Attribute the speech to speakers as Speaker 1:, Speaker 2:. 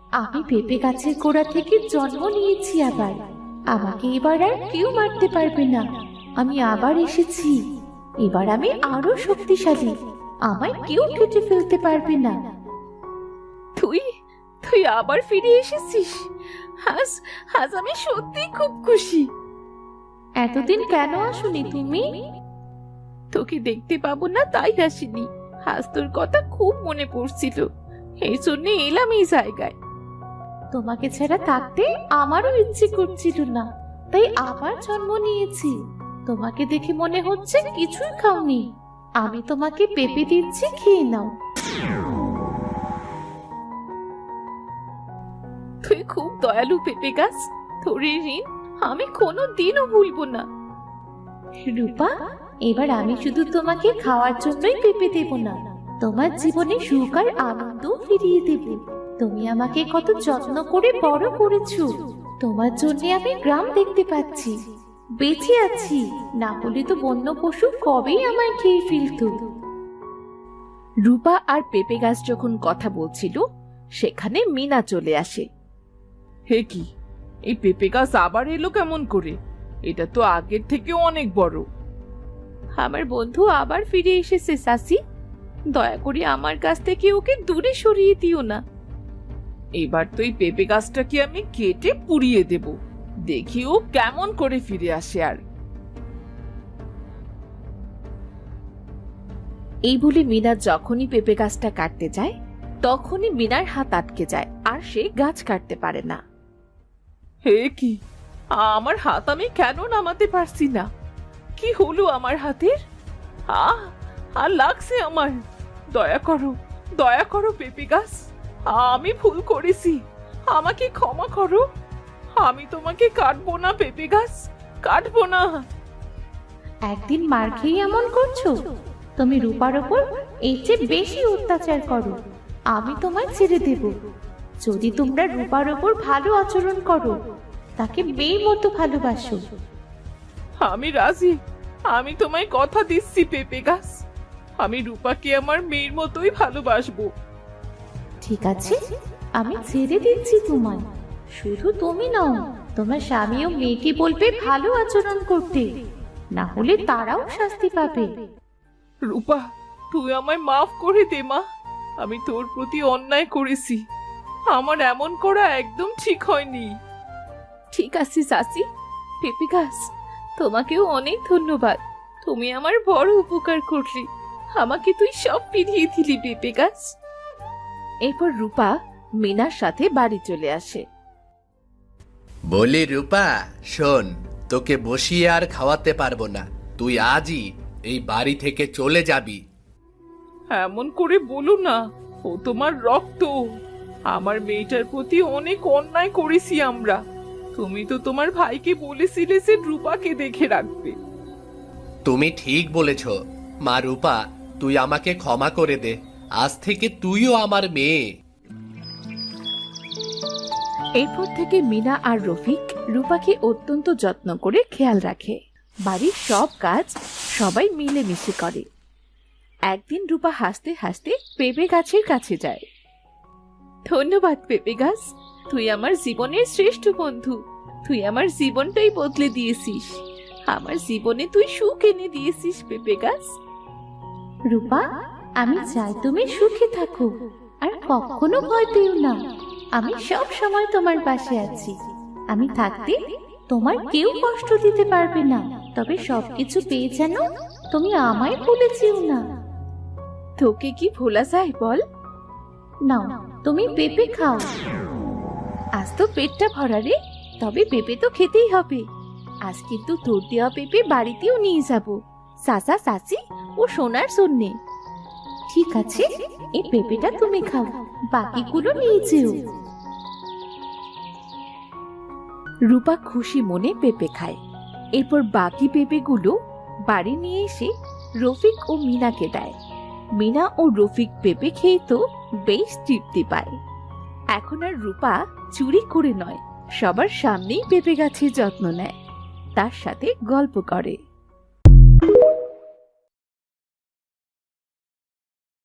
Speaker 1: আমি পেঁপে গাছের গোড়া থেকে জন্ম নিয়েছি আবার। আমাকে এবার আর কেউ মারতে পারবে না। আমি আবার এসেছি। এবার আমি আরো শক্তিশালী। আমায় কেউ কেটে ফেলতে পারবে না।
Speaker 2: তুই তুই আবার ফিরে এসেছিস। আজ আজ আমি সত্যি খুব খুশি।
Speaker 1: এতদিন কেন আসোনি তুমি?
Speaker 2: তোকে দেখতে পাবো না তাই আসিনি। আজ তোর কথা খুব মনে পড়ছিল, এই জন্য এলাম এই জায়গায়।
Speaker 1: তোমাকে ছাড়া থাকতে আমারও ইচ্ছে করছিল না, তাই আবার জন্ম নিয়েছি। তোমাকে দেখে মনে হচ্ছে কিছুই খাওনি। আমি তোমাকে পেঁপে দিচ্ছি, খেয়ে নাও।
Speaker 2: তুই খুব দয়ালু পেঁপে গাছ। তোর এই ঋণ আমি কোনোদিনও ভুলবো না।
Speaker 1: রূপা, এবার আমি শুধু তোমাকে খাওয়ার জন্যই পেঁপে দেব না, তোমার জীবনে সুখ আর আনন্দ ফিরিয়ে দেব। তুমি আমাকে কত যত্ন করে বড় করেছো। তোমার জন্য আমি গ্রাম দেখতে পাচ্ছি, বেঁচে আছি। না হলে তো বন্য পশু কবেই আমায় খেয়ে ফেলতো।
Speaker 2: রূপা আর পেঁপে গাছ যখন কথা বলছিল, সেখানে মিনা চলে আসে। হে কি, এই পেঁপে গাছ আবার এলো কেমন করে? এটা তো আগের থেকে অনেক বড়।
Speaker 1: আমার বন্ধু আবার ফিরে এসেছে চাচি। দয়া করে আমার কাছ থেকে ওকে দূরে সরিয়ে দিও না।
Speaker 2: এবার তো এই পেঁপে গাছটাকে আমি কেটে পুড়িয়ে দেব, দেখি ও কেমন করে ফিরে আসে। আর এই বলে মিনা যখনই পেঁপে গাছটা কাটতে যায়, তখনই মিনার হাত আটকে যায় আর সে গাছ কাটতে পারে না। হে কি, আমার হাত আমি কেন নামাতে পারছি না? কি হলো আমার হাতের? আর লাগছে আমার। দয়া করো পেঁপে গাছ। আমি ভুল করেছি, আমাকে ক্ষমা করো। আমি তোমাকে কাটবো না পেঁপে গাছ, কাটবো না।
Speaker 1: একদিন মার খেয়ে এমন করছো? তুমি রূপার ওপর এর চেয়ে বেশি অত্যাচার করো। আমি তোমায় ছেড়ে দেব যদি তোমরা রূপার ওপর ভালো আচরণ করো, তাকে মেয়ের মতো ভালোবাসো।
Speaker 2: আমি রাজি। আমি তোমায় কথা দিচ্ছি পেঁপে গাছ, আমি রূপাকে আমার মেয়ের মতোই ভালোবাসবো।
Speaker 1: ঠিক আছে, আমি ছেড়ে দিচ্ছি তোমায়। শুধু তুমি নও, তোমার স্বামীও মেয়েকে বলবে ভালো আচরণ করতে, না হলে তারাও শাস্তি পাবে।
Speaker 2: রূপা, তুই আমায় মাফ করে দে মা। আমি তোর প্রতি অন্যায় করেছি, আমার এমন করা একদম ঠিক হয়নি। ঠিক আছে চাচি। পেঁপে গাছ, তোমাকেও অনেক ধন্যবাদ। তুমি আমার বড় উপকার করলি, আমাকে তুই সব ফিরিয়ে দিলি পেঁপে গাছ। এরপর রূপা মিনার সাথে বাড়ি চলে আসে।
Speaker 3: বলি রূপা, শোন, তোকে বসিয়ে আর খাওয়াতে পারবো না। তুই আজই এই বাড়ি থেকে চলে যাবি।
Speaker 2: এমন করে বলো না, ও তোমার রক্ত। আমার মেয়েটার প্রতি অনেক অন্যায় করেছি আমরা। তুমি তো তোমার ভাইকে বলেছিলে যে রূপাকে দেখে রাখবে।
Speaker 3: তুমি ঠিক বলেছ মা। রূপা, তুই আমাকে ক্ষমা করে দে। আজ থেকে তুইও আমার মেয়ে।
Speaker 2: এরপর থেকে মিনা আর রফিক রূপাকে অত্যন্ত যত্ন করে খেয়াল রাখে। বাড়ির সব কাজ সবাই মিলেমিশে করে। একদিন রূপা হাসতে হাসতে পেঁপে গাছের কাছে যায়। ধন্যবাদ পেঁপে গাছ, তুই আমার জীবনের শ্রেষ্ঠ বন্ধু। তুই আমার জীবনটাই বদলে দিয়েছিস। আমার জীবনে তুই সুখ এনে দিয়েছিস পেঁপে গাছ।
Speaker 1: রূপা, আমি চাই তুমি সুখে থাকো, আর কখনো ভয় পেও না। আমি সব সময় তোমার পাশে আছি। আমি থাকতে তোমার কেউ কষ্ট দিতে পারবে না। তবে সবকিছু পেয়ে যেন তুমি আমায় ভুলে যেও না।
Speaker 2: তোকে কি ভোলা যায় বল?
Speaker 1: নাও, তুমি পেঁপে খাও।
Speaker 2: আজ তো পেটটা ভরা রে, তবে পেঁপে তো খেতেই হবে। আজ কিন্তু তোর দেওয়া পেঁপে বাড়িতেও নিয়ে যাব, চাচা চাচি ও সোনার জন্যে।
Speaker 1: ঠিক আছে, এই পেঁপেটা তুমি খাও, বাকিগুলো নিয়ে যেও।
Speaker 2: রূপা খুশি মনে পেঁপে খায়। এরপর বাকি পেঁপেগুলো বাড়ি নিয়ে এসে রফিক ও মিনাকে দেয়। মিনা ও রফিক পেঁপে খেয়ে তো বেশ তৃপ্তি পায়। এখন আর রূপা চুরি করে নয়, সবার সামনেই পেঁপে গাছের যত্ন নেয়, তার সাথে গল্প করে।